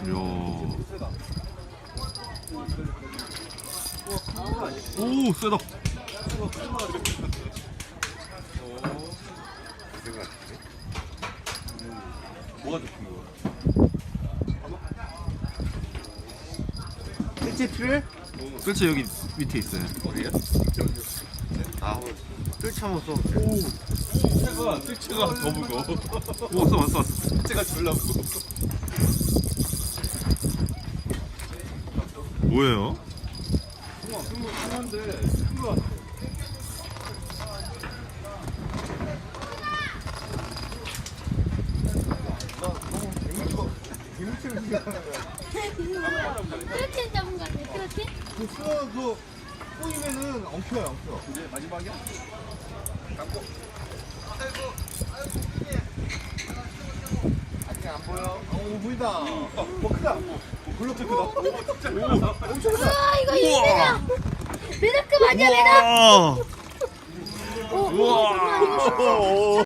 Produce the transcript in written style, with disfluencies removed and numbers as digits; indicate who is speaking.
Speaker 1: 오, 세다.
Speaker 2: 뭐가 좋은 거야?
Speaker 3: 일제 필요해?
Speaker 1: 그렇지, 여기 밑에 있어요.
Speaker 2: 어디야? 아,
Speaker 3: 뜰채 한번 써.
Speaker 2: 뜰채가 더 무거워.
Speaker 1: 오, 왔어.
Speaker 2: 뜰채가 졸라 무거워.
Speaker 1: 뭐예요?
Speaker 2: 한데 큰거 같아.
Speaker 4: 트로트 잡은 거 같아, 트로트?
Speaker 3: 그 수어 꼬이면은 엉켜요.
Speaker 2: 이제 마지막이야? 감고.
Speaker 3: 아직 안 보여. 보인다. 크다.
Speaker 2: 블록도 크다. 오, 진짜 크다.
Speaker 4: 우와, 이거 이거야! 메다크 맞아, 메다!
Speaker 1: 우와.
Speaker 4: 오, 잠깐만, 이거
Speaker 1: 우와.